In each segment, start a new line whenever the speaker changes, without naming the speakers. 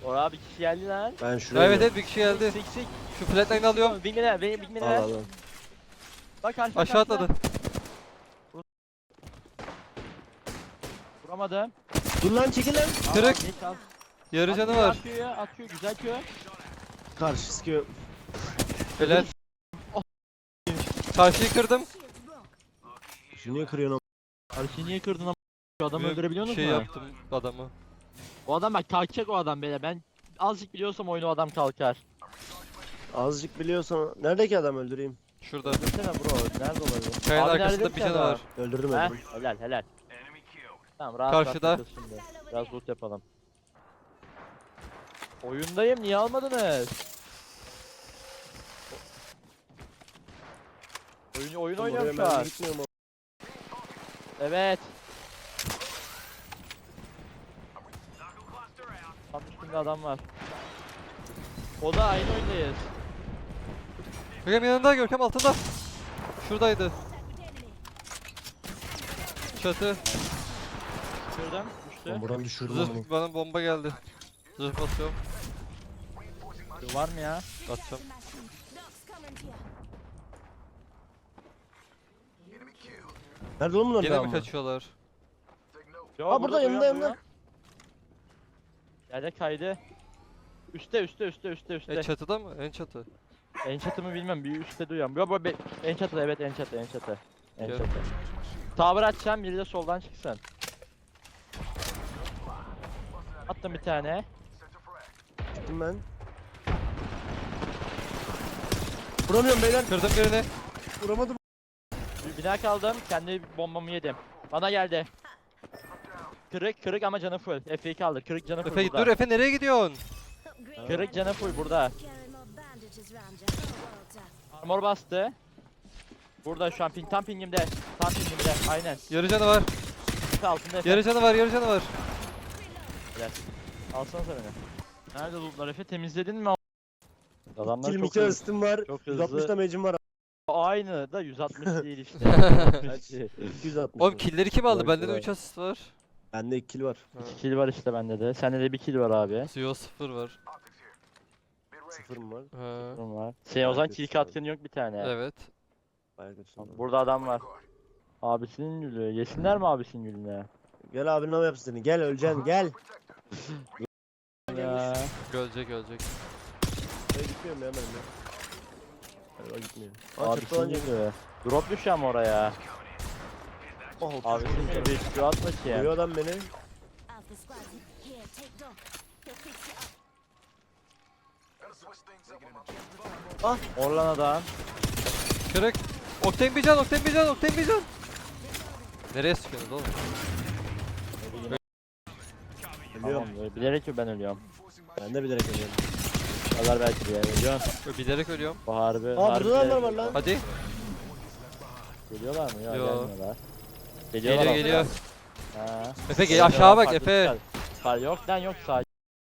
Oraya bir kişi geldi lan.
Ben şuraya.
Evet evet bir kişi geldi.
Sik.
Şu flatline alıyorum.
Wingman'e Wingman'e
Al
ver.
al al.
Bak karşıda.
Aşağı atladı.
Vuramadım.
Dur lan çekil lan.
Kırık.
Al, geç al.
Yarı canı
Atıyor,
var.
Atıyor güzel kö.
Karşı sıkıyor.
Helal. Karşıyı kırdım.
Şu niye kırıyorsun
Karşıyı niye kırdın ama? Şu adamı
Böyle
öldürebiliyor musun?
şey yaptım adamı.
O adam bak kalkacak o adam beyler. Ben azıcık biliyorsam oyunu o adam kalkar.
Azıcık biliyorsan. Neredeki adam öldüreyim?
Şurada.
Öldürsene bro. Nerede olabilir?
Kayanın
Abi
arkasında
nerede
bir
ki
canı
adam?
var.
Öldürdüm
Heh,
öldürdüm.
helal. Tamam rahat
Karşıda.
rahat takıl şimdi. Biraz loot yapalım. Oyundayım niye almadınız? Oyun oynuyorum şu an.
Gitmiyorum.
Evet. Tam üstünde adam var. O da aynı oyundayız.
Görkem yanında, Görkem altında. Şuradaydı. Çatı.
Şuradan düştü.
Buradan düşürdüm onu.
Zırh, bana bomba geldi. Zırh basıyorum.
Var mı ya?
Atacağım.
Nerede oğlum bunlar?
Gene mi kaçıyorlar?
Yo,
Aa, burada, yanında, yanında.
Yerde kaydı. Üste.
Çatıda mı? En çatı.
En çatı mı bilmem, bir üstte duyuyorum. Yo bu en çatı, evet en çatı. En
Gel.
çatı. Tower açacağım, biri de soldan çıksın. Attım bir tane.
Çıktım ben. Vuramıyorum beyler.
Kırdım birini.
Vuramadım.
Bir bina kaldım, kendi bombamı yedim. Bana geldi. Kırık ama canı full. Efe'yi kaldır, kırık canı full
Efe
burada.
dur Efe, nereye gidiyorsun?
Kırık canı full burada. Armor bastı. Burada şu an tam pingimde. Aynen.
Yarı canı var.
Altında Efe.
Yarı canı var.
Gel. Alsana sen beni. Nerede lootlar Efe? Temizledin mi? Adamlar
Kill
çok
mikro
hızlı.
ısıtım var.
Çok
160
hızlı.
damage'im var.
Aynı da 160 değil işte.
Kaç? 260.
Oğlum killleri kim aldı?
Bırak,
Bende de
bırak.
3 asist var.
Bende 2 kill var.
2 kill var işte bende de. Sende de 1 kill var abi.
Zio 0 var.
0 mı var?
Ha.
Durum var. Şey o zaman kill katkın yok bir tane.
Evet.
Bayağı kötüsün.
Burada adam var. Abisinin gülü. Yesinler mi abisinin gülüne?
Gel abinin ama yapsın seni. Gel öleceksin gel.
Ya.
Ölecek.
Ben gitmiyorum ya benim ya. Galiba gitmiyorum. Aa
Abisinin
çatıdan geliyor.
gülü. Drop düşüyor ama oraya.
Oh,
Abisinin gülü bir şu at
Koyuyor
bakayım.
adam beni.
Orlan adam.
Kırık. Okten bir can. Nereye sıkıyorsunuz oğlum?
Ölüyorum.
Tamam, bilerek mi ben ölüyorum?
Ben de bilerek ölüyorum.
Kadar belki bir yer ölüyorsun.
Bilerek ölüyorum.
Bu harbi.
Aa
harbi
burada
bilerek
adamlar var lan.
Hadi.
Geliyorlar mı? Yok
Yo.
gelmiyorlar. Geliyorlar
Geliyor.
Ha.
Efe gel aşağı bak Efe.
Yok lan yok sağ.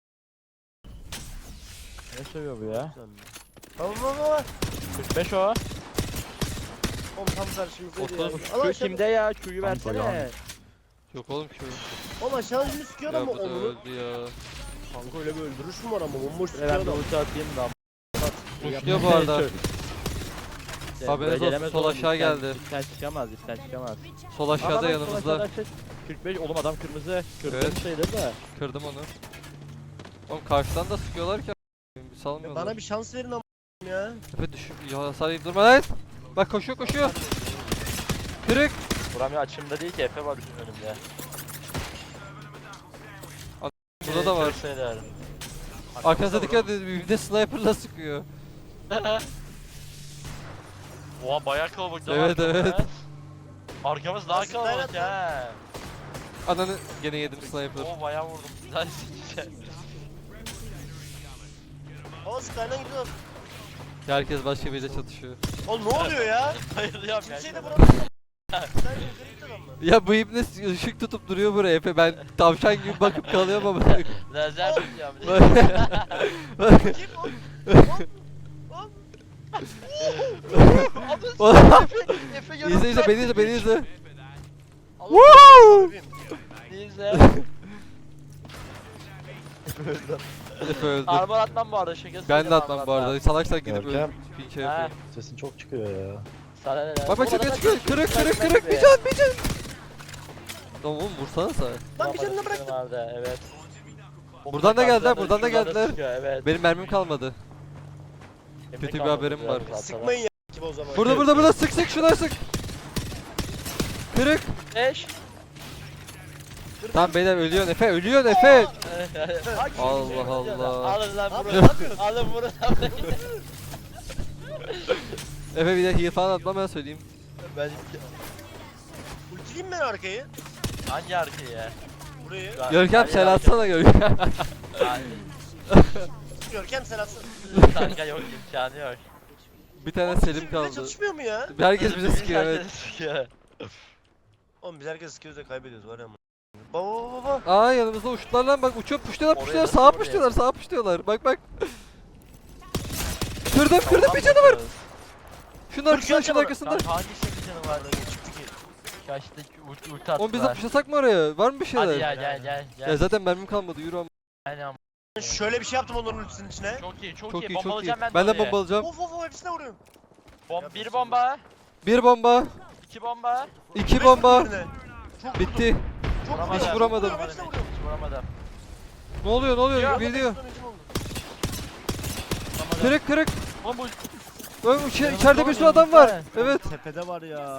Ne söylüyor bu ya?
Tamam.
45 o.
Oğlum tam karşımızdaydı ya.
Otuz.
Allah
Şu
aşkına.
kimde ya? Q'yu versene.
Yok oğlum şu.
Oğlum aşağıdan birini sıkıyor
Ya
ama
bu da
onu.
öldü ya.
Kanka öyle bir öldürüş mü var ama bomboş
Ben
sıkıyor
bir
adam.
ulti atayım da.
Uçluyor bu arada. Haberiniz olsun, sol aşağı geldi.
İpten çıkamaz.
Sol aşağıda
Sol
yanımızda.
aşağıda açık. 45 oğlum adam kırmızı. Kırmızı
Evet.
sayılır da.
Kırdım onu. Oğlum karşıdan da sıkıyorlar ki. Bir salmıyorlar.
Bana bir şans verin ama ya.
Efe düş. Ya hasar yiyip durma lan. Bak koşuyor. Kırık.
Buram ya açımda değil ki Efe var bizim önümde.
Burada da var.
Sayılır.
Arkasına dikkat edin. Bir de sniper'la sıkıyor.
Oha bayağı kalabalık.
Evet, evet.
Arkamız daha
Nasıl
kalabalık
dayanat
ha.
Ananı gene yedim sniper.
Oo bayağı vurdum. Güzel sikeceğim.
O Skyline gidiyor.
Herkes başka biriyle çatışıyor.
Oğlum ne oluyor ya?
Bayılıyorum ya.
Kimseyi de vuramıyor. Skyline yukarı adamlar.
Ya bu ibne ışık tutup duruyor buraya Efe. Ben tavşan gibi bakıp kalıyorum ama.
Lazer tutuyorum.
Kim o?
Efe
İzle beni izle.
Woo! İzle.
Efe öldü.
Armor atmam bu arada şakası.
Ben de atmam bu arada. Salaksan gidip
Görkem.
öldüm. Bir kere
Ha.
yapayım.
Sesin çok çıkıyor ya.
Sana ne lan?
Bak bak çıkıyor çıkıyor. Kırık kırık kırık. Bir can bir can. Tamam oğlum vursana sen.
Lan bir canını bıraktım.
Vardı, evet.
Buradan da geldiler,
Şuradan
buradan da geldiler.
sıkıyor, Evet.
Benim mermim kalmadı.
Yemek
kötü bir
kalmadı
haberim
biraz
var.
fazla.
Sıkmayın ya gibi o zaman.
Burada sık sık şuna sık. Kırık.
5.
Tamam beyler ölüyorsun Efe ölüyorsun Efe. Allah Allah.
Alın lan
Abi,
bunu.
ne yapıyorsun?
Alın bunu.
Efe bir de heal falan atma ben söyleyeyim.
Ben
Ultileyim ben arkayı.
hangi arkayı ya?
Burayı.
Görkem sen atsana Görkem.
Görkem sen atsın.
Kanka yok imkanı yok.
Bir tane
Oğlum,
Selim
bizim bize
kaldı.
Çalışmıyor mu ya?
Herkes bize sıkıyor evet.
Herkes sıkıyor.
Oğlum biz herkes sıkıyoruz da kaybediyoruz var ya. Baba.
Aa yanımızda uçtular lan bak uçuyor puşluyorlar
Oraya
puşluyorlar
nasıl
sağa
oraya?
puşluyorlar sağa puşluyorlar bak bak. Kırdım bir canı var. Şunun arkasında şunun arkasında.
Kanka hangi şekil canı var?
Çıktı ki.
Kaçtı ulti attılar.
Oğlum biz de puşlasak mı oraya? Var mı bir
Hadi
şeyler?
gel.
Ya zaten mermim kalmadı yürü ama.
Aynen.
Şöyle bir şey yaptım onların ultisinin içine.
Çok iyi çok,
Çok
iyi.
iyi çok iyi.
Bombalayacağım ben de
Ben de
oraya.
bombalayacağım.
Of hepsine vuruyorum.
Bir bomba.
Bir bomba.
2 bomba.
2 bomba.
Birbirine. Çok
Bitti.
Çok
Vuramadım.
Hiç vuramadım.
Hepsine vuruyorum.
Hiç vuramadım.
Ne oluyor ne oluyor?
Ya,
Biliyor.
Sonuncum oldu.
Vuramadım.
Kırık kırık.
Oğlum bu
Oğlum içeride bir sürü adam var. Evet.
Tepede var ya.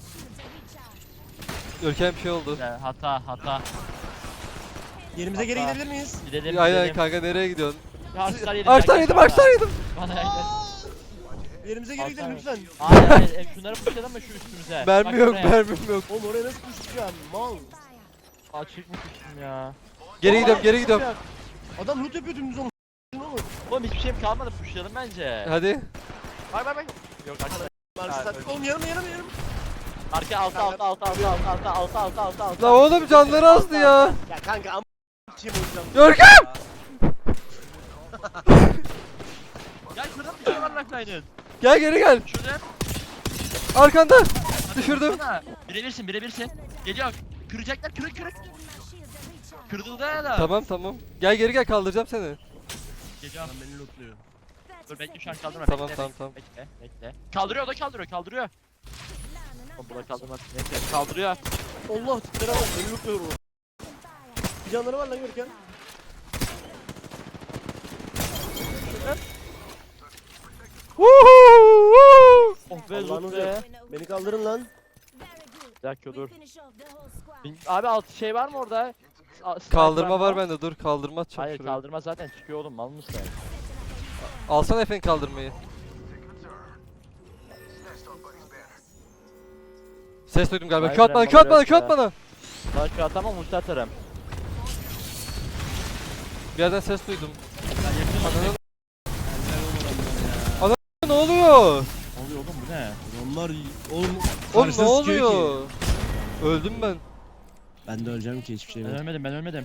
Görkem bir şey oldu.
hata.
Yerimize geri
Hatta.
gidebilir miyiz?
Gidelim
Aynen
gidelim.
kanka nereye gidiyorsun?
Ağaçlar yedim.
Ağaçtan yedim ağaçtan yedim.
Bana gel.
Yerimize geri gidelim lütfen.
Hayır şunları puşlayalım mı şu üstümüze?
Mermi
Bak
yok
buraya.
mermim yok.
Oğlum oraya nasıl koşacağım? Mal.
Açık mı puştum ya?
Geri gidiyorum geri gidiyorum.
Adam loot yapıyor dümdüz onu.
Oğlum hiçbir şeyim kalmadı puşlayalım bence.
Hadi.
Bay. Yok arkada.
Marşı sattık. Oğlum yanıma.
Arka alta.
La oğlum canları azdı ya.
Ya kanka am kim olacağım?
Görkem.
Gel şurada bir şey var lifeline.
Gel geri gel.
Şurada.
Arkanda. Düşürdüm.
Birebirsin. Geliyor. Kıracaklar kırık. Kırıldı ya da.
Tamam. Gel geri gel kaldıracağım seni.
Geliyor.
Beni lootluyor.
Dur bekle şu an kaldırma.
Tamam,
bekle,
tamam.
Bekle. Kaldırıyor o da kaldırıyor. Oğlum bu da kaldırmaz. Neyse kaldırıyor.
Allah tiplere bak beni lootluyor o. Bir canları var lan Görkem.
Woohoo!
Oh be
Allah'ını
loot be.
seversen. Beni kaldırın lan.
Bir dakika dur. Abi alt şey var mı orada? Sniper
Kaldırma var
mı?
bende dur kaldırma atacağım
Hayır
şuraya.
kaldırma zaten çıkıyor oğlum mal mısın?
Alsana efendim kaldırmayı. Ses duydum galiba.
Hayır,
Q at bana,
ben
Q at bana,
bakıyorum
Q at
ya.
bana.
Sana şu atamam ulti atarım.
Bir yerden ses duydum.
Ben yakınım.
Ne oluyor?
Ne oluyor oğlum bu ne?
Onlar oğlum
Oğlum ne oluyor? Öldüm ben.
Ben de öleceğim ki hiçbir şey
Ben
yok.
ölmedim.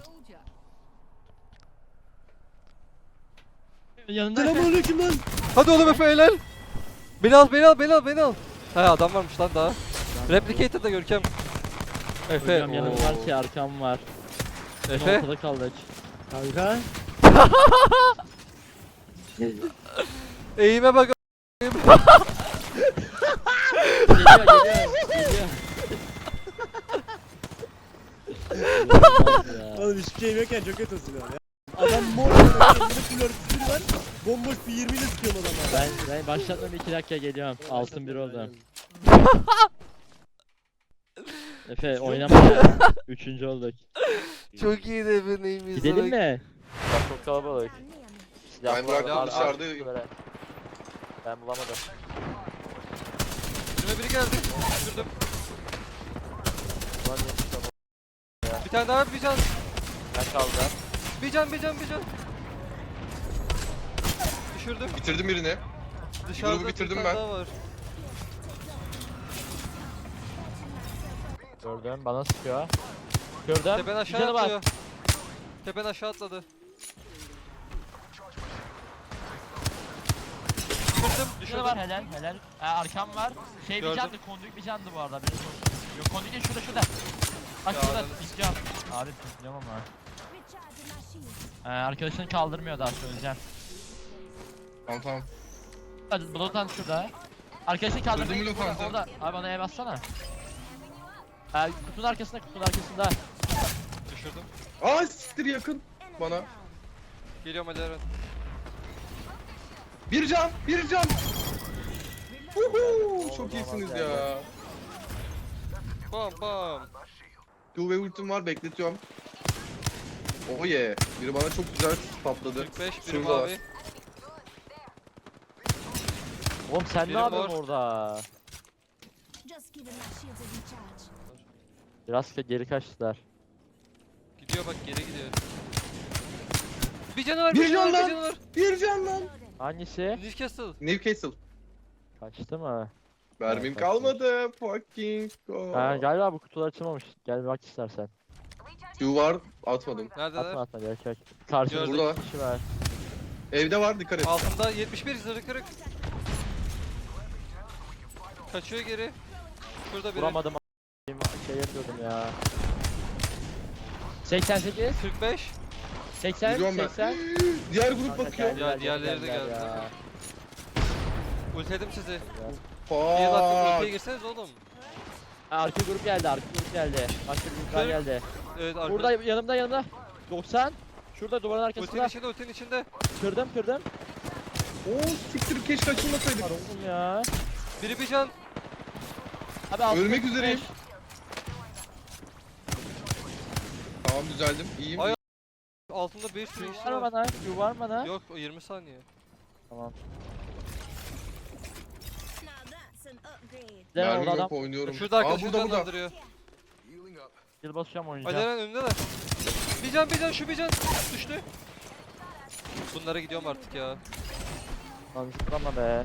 Yanında
Selamünaleyküm lan.
Hadi oğlum Efe helal. Beni al. He adam varmış lan daha. Replicated da Görkem. Efe.
Hocam yanım var ki arkam var.
Efe.
Ortada kaldık.
Kanka.
Eğime bak.
Geliyor. İnanılmaz ya.
Oğlum hiçbir şeyim yokken çok kötü oluyor ya. Adam mor elinde full örtüsü var. Bomboş bir 20 ile sıkıyorum adamlar.
Ben başlatmam 2 dakika geliyorum. Altın bir oldu. Efe oynama ya. 3. olduk.
Çok iyi de Efe neymiş.
Gidelim mi? Bak çok kalabalık.
Ben bıraktım, dışarıdayım.
Ben bulamadım.
Şuraya biri geldi. Düşürdüm.
Ulan niye çıkamam?
Bir tane daha bir can.
Ben kaldım.
Bir can. Düşürdüm.
Bitirdim birini.
Dışarıda
Grubu bitirdim
bir tane
ben.
daha var.
Gördüm bana sıkıyor. Gördüm.
Tepen
Bir
aşağı
canı var.
atlıyor. Tepen aşağı atladı. Düşürdüm.
Bir canı var helal. Arkam var. Şey bir
Gördüm.
candı, konduk bir candı bu arada. Benim yok konduk değil şurada. Bak
Ya
şurada
ananı
pikliyorum. Abi pikliyorum ama. Arkadaşını kaldırmıyor daha söyleyeceğim.
Tamam.
Hadi Blotan şurada. Arkadaşını kaldırmayı
Öldü mü lokanta?
orada. Abi bana ev bassana. Kutunun arkasında, kutunun arkasında.
Düşürdüm.
Aa siktir yakın bana.
Geliyorum hadi Eren.
Bir can. Çok iyisiniz ya.
Bam bam.
Q ve ultim var bekletiyorum. Oh yeah. Biri bana çok güzel patladı.
45 biri
Şurada.
mavi.
Oğlum sen
Biri
ne yapıyorsun
mor.
orada? Biraz geri kaçtılar.
Gidiyor bak geri gidiyor. Bir canavar
Bir
bir canavar
can
bir
lan.
canavar.
Bir can lan.
Hangisi?
Newcastle.
Newcastle.
Kaçtı mı?
Mermim
kaçtı.
kalmadı. Fucking go.
Galiba bu kutular açılmamış. Gel bir bak istersen.
Q var atmadım.
Neredeler?
Atma atma gerek yok. Karşımızda
Burada.
iki kişi var.
Evde var dikkat et.
Altında 71 zırhı kırık. Kaçıyor geri. Şurada biri.
Vuramadım şey yapıyordum ya. 88,
45.
80,
Gidiyorum ben.
80.
Diğer grup
Kanka
bakıyor.
geldiler,
Ya, diğerleri de
geldiler
geldi.
ya.
Ultiledim sizi.
Güzel.
İyi bak ultiye
Fuck.
girseniz oğlum.
Arka grup geldi, arka grup geldi. Başka bir gruplar
Kırk.
geldi.
Evet arkada.
Burada yanımda. 90. Şurada duvarın arkasında.
Ultinin içinde.
Kırdım.
Oo siktir keşke açılmasaydık.
Var oğlum ya.
Biri bir can.
Abi altında
Ölmek
45.
üzereyim. Tamam düzeldim. İyiyim.
Ay- Altında bir sürü
Q
kişi
var mı
var.
bana? Q var mı bana?
Yok o 20 saniye.
Tamam.
Mermim
Orada adam.
yok oynuyorum.
Şurada
Aa
arkadaşı
burada.
canlandırıyor.
Yıl basacağım
Hadi
oynayacağım.
Eren önündeler. Bir can şu bir can. Düştü. Bunlara gidiyorum artık ya.
Lan zıplama be.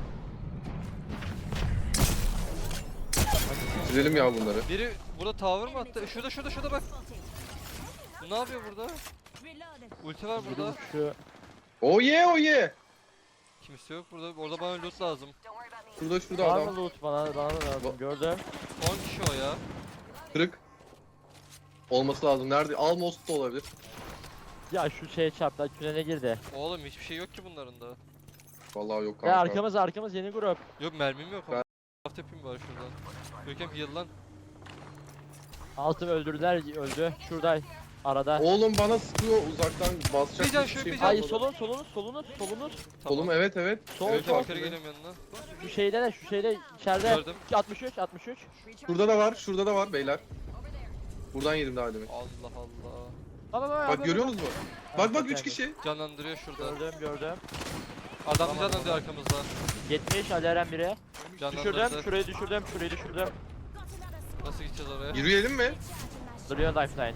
Bitirelim ya bunları.
Biri burada tower mı attı? Şurada bak. Bu ne yapıyor burada? Ulti var
Biri
burada.
şu.
Oh yeah.
Kimse yok burada. Orada bana loot lazım.
Şurada
Var
adam.
mı loot bana da lazım. Gördüm.
10 kişi o ya.
Kırık. Olması lazım. Nerede? Almost da olabilir.
Ya şu şeye çarptı. Tünele girdi.
Oğlum hiçbir şey yok ki bunların da.
Vallahi yok kanka.
Ya arkamız yeni grup.
Yok mermim yok.
Ben-
Craft yapayım bari şuradan. Görkem heal lan.
Altım öldürdüler öldü. Şurada arada.
Oğlum bana sıkıyor uzaktan basacak
Bir can,
hiçbir
şu
şey
bir can.
Ay
kalmadı.
solunuz.
Oğlum evet.
Sol,
Evet,
sol.
bak.
Yukarı geliyorum yanına.
Şu şeyde içeride.
Gördüm.
63.
Şurada da var beyler. Buradan yedim daha demin.
Allah Allah.
Bak görüyorsunuz mu? Bak 3 kişi.
Canlandırıyor şurada.
Gördüm.
Adam
Tamam,
canlandırıyor arkamızda.
70 Aleren biri.
Canlandırdı.
Düşürdüm. Şurayı düşürdüm.
Nasıl gideceğiz oraya?
Yürüyelim mi?
Duruyor lifeline.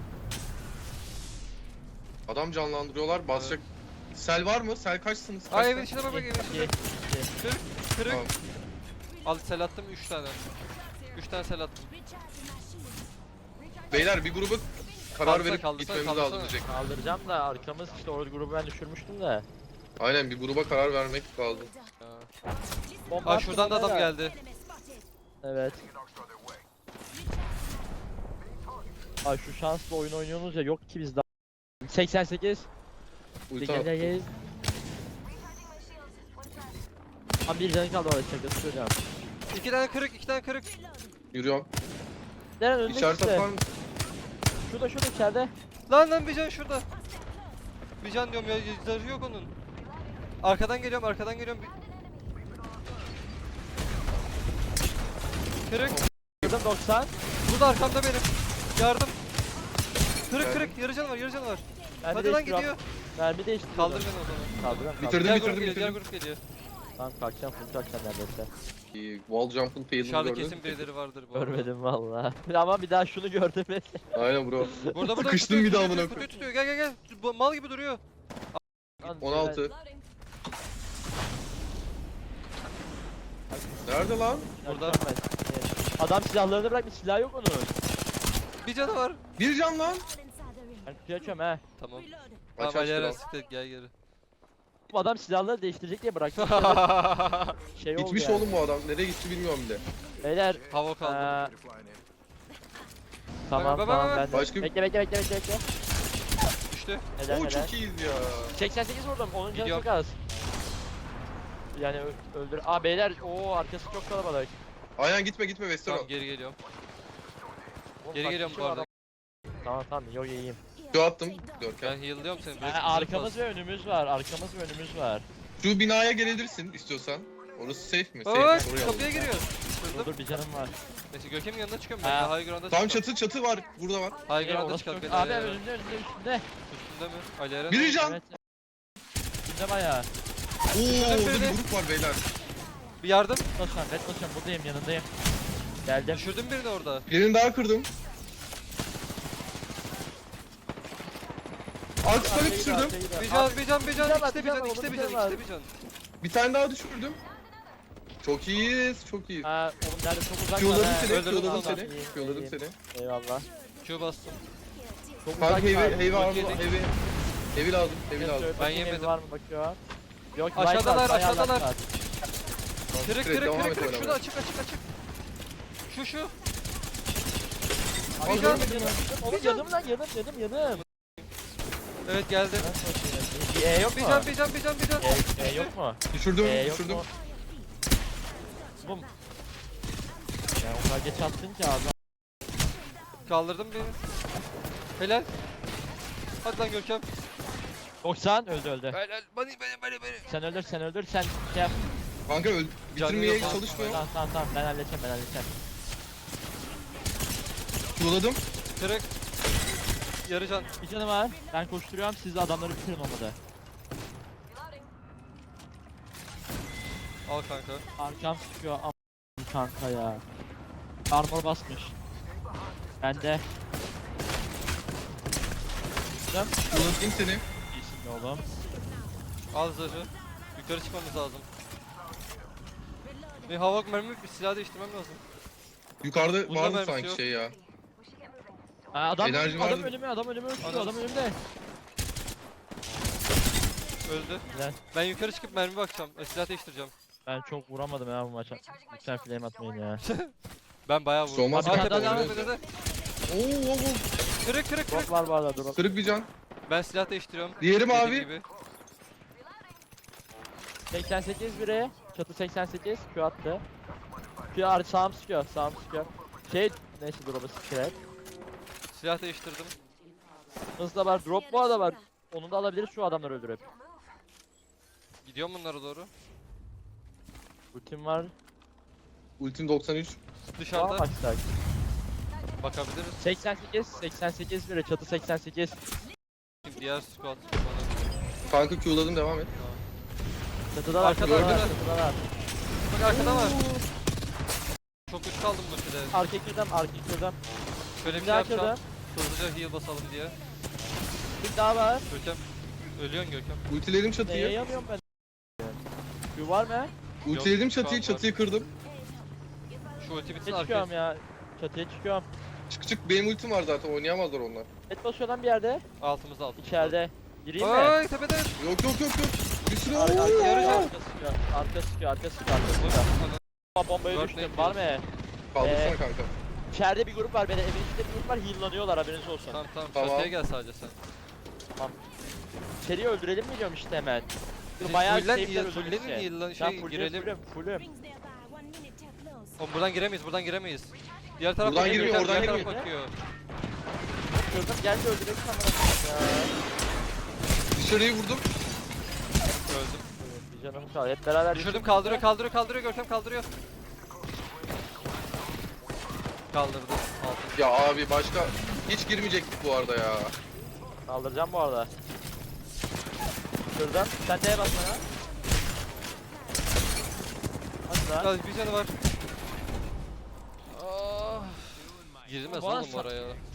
Adam canlandırıyorlar basacak. Sel var mı? Sel kaçsınız?
Aa
Kaç
evin
tane?
içine bak evin içine.
2.
Kırık.
Tamam.
Al sel attım 3 tane. 3 tane sel attım.
Beyler bir grubu karar
Kaldırsana,
verip
kaldırsana,
gitmemiz lazım
kaldırsana.
diyecek.
Kaldıracağım da arkamız işte orada grubu ben düşürmüştüm de.
Aynen bir gruba karar vermek lazım.
Ya.
Bomba
Aa
attım
şuradan da adam
onlara.
geldi.
Evet. Ay şu şanslı oyun oynuyorsunuz ya yok ki bizde. 88.
Ulti
Gel
attım.
gel gel. Tam bir canı kaldı orada şakası söyleyeceğim.
2 tane kırık 2 tane kırık.
Yürüyorum.
Neren önünde
İşaret
işte.
atar mı?
Şurada içeride.
Lan bir can şurada. Bir can diyorum ya zarı yok onun. Arkadan geliyorum. Kırık.
Kırdım 90.
Burada arkamda benim. Yardım. Kırık yarı can var.
Mermi
Hadi lan
değiştiriyorum.
gidiyor.
Mermi değiştiriyorum.
Kaldır beni o zaman.
Kaldırıyorum.
Bitirdim.
Diğer grup geliyor.
Tamam kalkacağım full kalkacağım neredeyse.
Wall jump'ın fail'ini
Dışarıda
gördün.
kesin birileri vardır bu arada.
Görmedim valla. Ama bir daha şunu gördüm.
Aynen bro.
Burada
Sıkıştım bir daha amına
tutuyor,
koyayım.
tutuyor. Gel. Bu mal gibi duruyor.
16. Nerede lan?
Burada.
Adam silahlarını bırakmış, silah yok onun.
Bir canı var.
Bir can lan.
Ben kutuyu açıyorum he.
Tamam.
Aç
Tamam
aç
Aleren
kral.
siktir gel geri.
Bu adam silahları değiştirecek diye bıraktı. Şey oldu
Gitmiş
yani.
oğlum bu adam. Nereye gitti bilmiyorum bile.
Beyler.
Hava kaldı.
Tamam
Bak,
tamam
bak.
ben de.
Başka-
Bekle.
Düştü Düştü.
Helal
Oo
helal.
çok iyiyiz ya.
88 vurdum. Onun canı
Gidiyorum.
çok az. Yani öldür. Aa beyler. Oo arkası çok kalabalık.
Aynen gitme Western.
Tamam geri geliyorum.
Oğlum,
Geri
kaç
geliyorum
kişi
bu
var
arada.
adam? Tamam yok iyiyim.
Şu attım Görkem.
Ben heal'lıyorum seni.
Yani arkamız ve önümüz var. Arkamız ve önümüz var.
Şu binaya gelebilirsin istiyorsan. Orası safe mi? Safe.
Oy
Oraya
kapıya
alalım.
giriyor.
Dur
Kırdım.
dur bir canım var.
Neyse Görkem'in yanına çıkıyorum ben.
Ha.
de High ground'a
Tamam
çıkıyorum.
çatı var. Burada var.
High ground'a
orası
çıkalım.
çok-
beyler
Abi
ya.
önünde üstünde.
Üstünde mi? Ali Eren.
Biri can.
Evet. Üstünde bayağı.
Oo orada
birini.
bir grup var beyler.
Bir yardım.
Basıyorum bet basıyorum buradayım yanındayım. Geldim.
Düşürdüm birini orada.
Birini daha kırdım. Altı düşürdüm.
Bir can, bir can, bir can.
Bir can var,
İkisi de
bir
bir
can
can,
var,
ikisi de bir
bir
can,
can var.
ikisi de bir can.
Bir tane daha düşürdüm. Çok iyiyiz, çok iyiyiz.
Ha oğlum nerede çok uzak
Q'ladım
var,
seni,
he.
öldürdüm
Q'ladım
tamam.
seni.
İyiyim,
Q'ladım
iyiyim.
seni.
Eyvallah.
Q bastım.
Çok
Kanka
uzak
heavy,
var.
heavy
Çok
aldım,
yedik.
heavy lazım, heavy lazım.
Bakayım
Ben
evi
yemedim.
Var mı bakıyor. Yok
Aşağıdalar,
light var, bayağı
aşağıdalar.
light var.
Kırık,
Direkt
kırık,
devam
kırık,
et
kırık.
oynamaya.
Şurada açık, açık, açık. Şu.
Abi
Bir
canım
can.
Oğlum yanım lan yanım.
Evet geldi.
Bir E yok
Bir
mu?
can, bir can, bir can, bir can.
E yok mu?
Düşürdüm,
E yok
düşürdüm.
mu? Bum. Ya o kadar geç attın ki abi.
Kaldırdım beni. Helal. Hadi lan Görkem.
90 öldü.
Helal. Beni.
Sen öldür sen şey yap.
Kanka bitirmeye
yok.
çalışmıyor.
Tamam ben halledeceğim.
Q'ladım.
Kırık. Yarı can.
Bir canım var. Ben koşturuyorum siz de adamları bitirin olmadı.
Al kanka.
Arkam sıkıyor am kanka ya. Armor basmış. Ben de. Sen
Q'ladım seni.
iyisin be oğlum.
Al zırhı. Yukarı çıkmamız lazım. Bir hava mermi bir silah değiştirmem lazım.
Yukarıda
Bunda
vardı
mermisi
sanki
yok.
şey ya.
Adam
Enerji
adam
vardı.
önüme uçtu
Adam-
adam önümde.
Öldü.
Güzel.
Ben yukarı çıkıp mermi bakacağım. Silah değiştireceğim.
Ben çok vuramadım ya bu maça. Lütfen flame atmayın ya.
Ben bayağı vurdum.
Olmaz
Arka
kanka,
devam
öyle.
et.
Oo.
Kırık kırık kırık.
Drop var bu arada drop.
Kırık bir can.
Ben silah değiştiriyorum.
Diğeri
Dediğim
mavi.
gibi.
88 biri. Çatı 88. Q attı. Q sağım sıkıyor. Şey neyse drop'u sıkıyor.
Silah değiştirdim.
Hızlı da var. Drop bu arada var. Onu da alabiliriz şu adamları öldürüp.
Gidiyorum bunlara doğru.
Ultim var.
Ultim 93.
Sağa
Dışarıda
baksak.
bakabiliriz.
88 biri. Çatı 88.
Şimdi diğer squad bana.
Kanka Q'ladım devam et.
Çatıda var.
Arkada,
Çatıda var.
arkada.
Çatıda var.
Bak arkada var. Çok üst kaldım bu şurada.
Arka kırdım.
Şöyle bir
Bir
şey
daha
yapacağım.
kırdım.
Hızlıca heal basalım diye.
Bir daha var.
Görkem. Ölüyorsun Görkem.
Ultiledim
Neye
çatıyı.
yanıyorum ben? Q var mı?
Ultiledim
şu an
çatıyı,
var.
çatıyı kırdım.
Şu ulti bitsin
Ne
arkaya.
çıkıyorum ya? Çatıya çıkıyorum.
Çık benim ultim var zaten oynayamazlar onlar.
Et basıyor lan bir yerde.
Altımızda.
İçeride. Gireyim mi?
Ay tepede.
Yok. Bir sürü
Arka
Oo!
sıkıyor. Arka sıkıyor. Bombaya
Dört
düştüm.
net
Var mı?
Kaldırsana kanka.
İçeride bir grup var. Evin içinde bir grup var. Heal'lanıyorlar haberiniz olsun.
Tamam tamam.
Tamam.
Çatıya gel sadece sen.
İçeriye öldürelim mi diyorum işte hemen.
Siz
Bayağı
fullen
safe'ler
heal,
öldürürüz
fullenin
ki.
heal'lan
Ben
şey
fullüm,
girelim.
fullüm.
Oğlum buradan giremeyiz. Diğer taraf
Buradan
bakıyor,
girmiyor,
diğer
oradan
taraf
girmiyor.
bakıyor.
Kırdım geldi öldürelim kamera.
Dışarıyı vurdum.
Öldüm.
Bir canım kaldı. Hep beraber
Düşürdüm
düşürdük.
kaldırıyor Görkem kaldırıyor. Kaldırdı. Altı.
Ya abi başka hiç girmeyecektik bu arada ya.
Kaldıracağım bu arada. Kırdım. Sen neye basma ya? Hadi lan.
Ya bir canı var. Ah. Girmez
Bana
oğlum oraya.